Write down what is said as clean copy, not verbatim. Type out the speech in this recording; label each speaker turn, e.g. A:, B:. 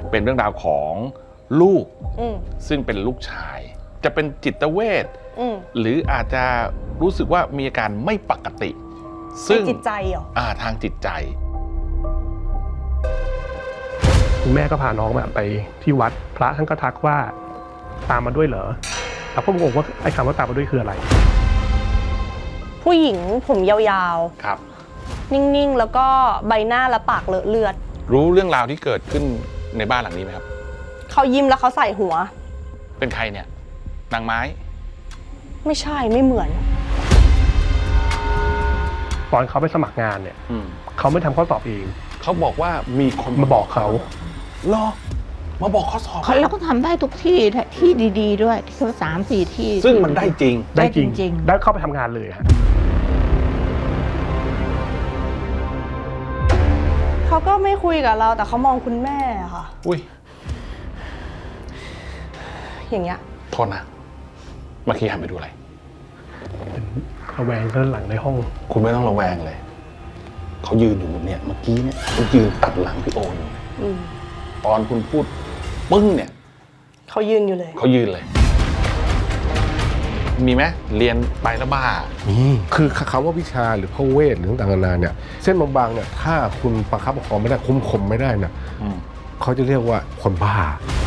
A: เป็นเรื่องราวของลูกซึ่งเป็นลูกชายจะเป็นจิตเวชหรืออาจจะรู้สึกว่ามีอาการไม่ปกติซึ่ง
B: จิตใจเหรอ
A: ทางจิตใจ
C: คุณแม่ก็พาน้องไปที่วัดพระท่านก็ทักว่าตามมาด้วยเหรอเราก็งงว่าไอ้คำว่าตามมาด้วยคืออะไร
B: ผู้หญิงผมยาว
A: ๆครับ
B: นิ่งๆแล้วก็ใบหน้าและปากเลอะเลือด
A: รู้เรื่องราวที่เกิดขึ้นในบ้านหลังนี้ไหมครับ
B: เขายิ้มแล้วเขาใส่หัว
A: เป็นใครเนี่ยนางไม้
B: ไม่ใช่ไม่เหมือน
C: ตอนเขาไปสมัครงานเนี่ยเขาไม่ทำข้อสอบเอง
A: เขาบอกว่ามีคน
C: มาบอกเขา
A: หรอมาบอกข้อสอบ
D: แล้วก็ทำได้ทุกที่ที่ดีๆด้วยที่เขา3-4 ที่
A: ซึ่งมันได้จริง
D: ได้จริง
C: ได้เข้าไปทำงานเลยฮะ
B: เขาก็ไม่คุยกับเราแต่เขามองคุณแม่ค่ะ
A: อุ้ย
B: อย่างเงี้ย
A: โทษนะเมื่อกี้หันไปดูอะไร
C: ระแวงด้านหลังในห้อง
A: คุณไม่ต้องระแวงเลยเขายืนอยู่เนี่ยเมื่อกี้เนี่ยเขายืนตัดหลังพี่โออยู่ตอนคุณพูดปึ้งเนี่ย
B: เขายืนอยู่เลย
A: เขายืนเลยมีไหมเรียนไปแล้วบ้า
E: คือคำว่าวิชาหรือพระเวทหรือต่างๆนานาเนี่ยเส้นบางๆเนี่ยถ้าคุณประคับประคองไม่ได้คุ้มคมไม่ได้เนี่ยเขาจะเรียกว่าคนบ้า